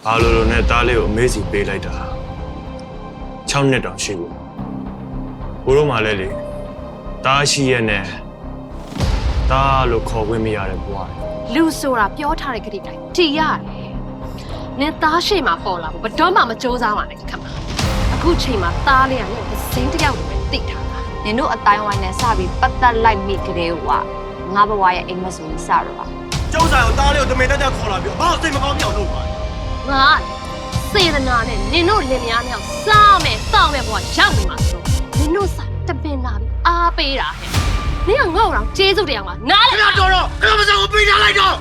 ဘာလို့နဲ့တားလေးကိုအမေးစီပေးလိုက်တာ6နှစ်တောင်ရှိဘူးဘိုးတို့မှလည်းလေတားရှိရဲ့နဲ့တားလို့ခေါ်ခွင့်မရတဲ့ဘွားလူဆိုတာပြောထားတဲ့ခရီးတိုင်းတည်ရတယ်နင်သားရှိမှပေါ်လာဘူးဘတော်မှမကြိုးစားပါနဲ့ခမအခုချိန်မှာသားလေးကနင်ကိုစိမ့်တယောက်လိုပဲသိထားတာနင်တို့အတိုင်းဝိုင်းနဲ့စပြီးပတ်သက်လိုက်မိကြတဲ့ဟွာငါဘဝရဲ့အိမ်မက်ဆိုရင်စတော့ပါကျောင်းဆိုင်ကိုတားလေးကိုတမင်တက်တက်ခေါ်လာပြီးဘာစိတ်မကောင်းပြောင်းလုပ်ပါငါစေတနာနဲ့နင်တို့လင်မယားမြောက်စားမယ်တောက်မယ်ဘဝရောက်နေမှာဆိုနင်တို့စားတပင်လာပြီးအားပေးတာဟဲ့နင်ကငေါ့အောင်ကျေးဇူးတရားမှာနားလေတော်တော့ခဏမစံကိုပေးထားလိုက်တော့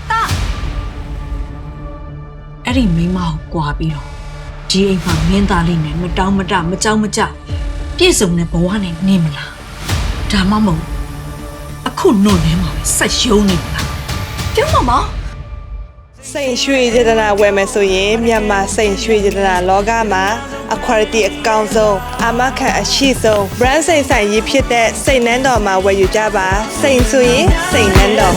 အဲ့ဒီမိန်းမကိုကြွားပြီးတော့ဒီအိမ်မှာမင်းသားလေးနဲ့မတောင်းမတမကြောက်မကြပြည့်စုံတဲ့ဘဝနဲ့နေမလားဒါမှမဟုတ်အခုနှုတ်ထဲမှာပဲဆက်ရှုံးနေမလားပြောမှာမစိန်ရွှေစေတနာဝယ်မယ်ဆိုရင်မြန်မာစိန်ရွှေစေတနာလောကမှာအခွာရတီအကောင်ဆုံးအာမခံအရှိဆုံး brand စိန်ဆိုင်ရည်ဖြစ်တဲ့စိန်နန်းတော်မှာဝယ်ယူကြပါစိန်ဆိုရင်စိန်နန်းတော်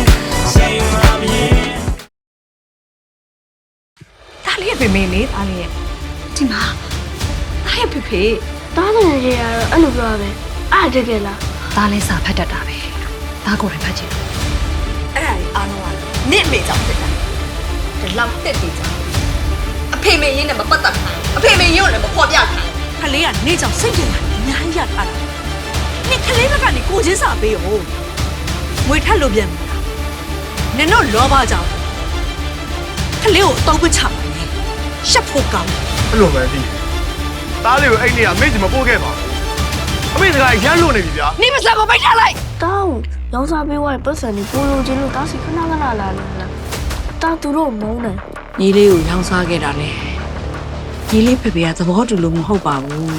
ဒါလေးရဲ့ဖေမေလေးဒါလေးရဲ့ဒီမှာဒါရဲ့ဖေဖေတားတယ်ရေကတော့အဲ့လိုပြောပဲအားတကယ်လားဒါလေးစာဖတ်တတ်တာပဲဒါကိုလည်းဖတ်ကြည့်အဲ့ဒါကြီးအားလုံးကနင့်အမေကြောင့်ဖြစ်တာဒီလောက်တက်တည်ကြအဖေမေရင်းနဲ့မပတ်သက်ခိုင်းအဖေမေရင်းကိုလည်းမဖော်ပြခိုင်းခလေးကနေကြောင့်စိတ်ကြင်လာအများကြီးရထားတာနင့်ခလေးဘက်ကနေကိုချင်းစာပေးရောငွေထက်လို့ပြန်ပြီနင်တို့လောဘကြောင့်ခလေးကိုအတော့မချပါနဲ့ရှက်ဖို့ကောင်းအဲ့လိုပဲဒီတားလေးကိုအဲ့နေကမိတ်စီမပို့ခဲ့ပါဘူးအမေစကားရမ်းလို့နေပြီဗျာနင်မစားမပိတ်ထားလိုက်တောင်းရောင်းစားပေးသွားတဲ့ပတ်စံတွေပိုလိုချင်လို့တားစီခဏခဏလာလို့လားတားသူတို့မုန်းတယ်ညီလေးကိုရောင်းစားခဲ့တာလေညီလေးဖေဖေကသဘောတူလို့မဟုတ်ပါဘူး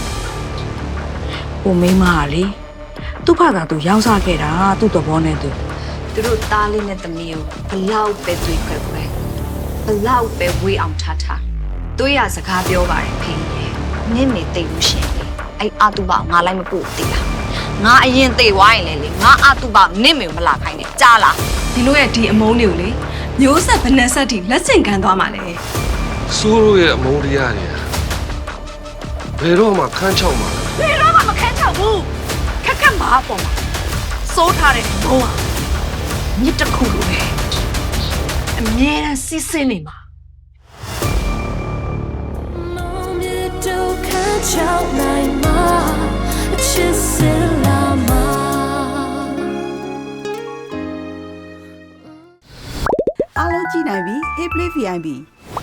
ဟိုမိန်းမကလေသူ့ဖသာသူရောင်းစားခဲ့တာသူ့သဘောနဲ့သူတို့သားလေးနဲ့သမီးကိုဘလောက်ပဲတွေ့ခွဲခွဲဘလောက်ပဲဝေးအောင်ထားထားတွေးရစကားပြောပါတယ်ဖေနင့်မေတိတ်လို့ရှင်လေအဲ့အတုပငါလိုက်မပို့သေးလားငါအရင်သိသွားရင်လေငါအတုပနင့်မေကိုမလာခိုင်းနဲ့ကြားလားဒီလိုရဲ့ဒီအမုန်းတွေကိုလေမျိုးဆက်ဗနက်ဆက်ထိလက်ဆင့်ခံသွားမှာလေစိုးတို့ရဲ့အမုန်းတရားတွေဘယ်တော့မှခန်းချောက်မှာလဲဘယ်တော့မှမခန်းချောက်ဘူးခက်ခက်မှာပေါ့မှာစိုးထားတဲ့ဘုံကမြစ်တစ်ခုလိုပဲအမြဲတမ်းစစ်စစ်နေမှာအားလုံးကြည့်နိုင်ပြီ Hey Play VIP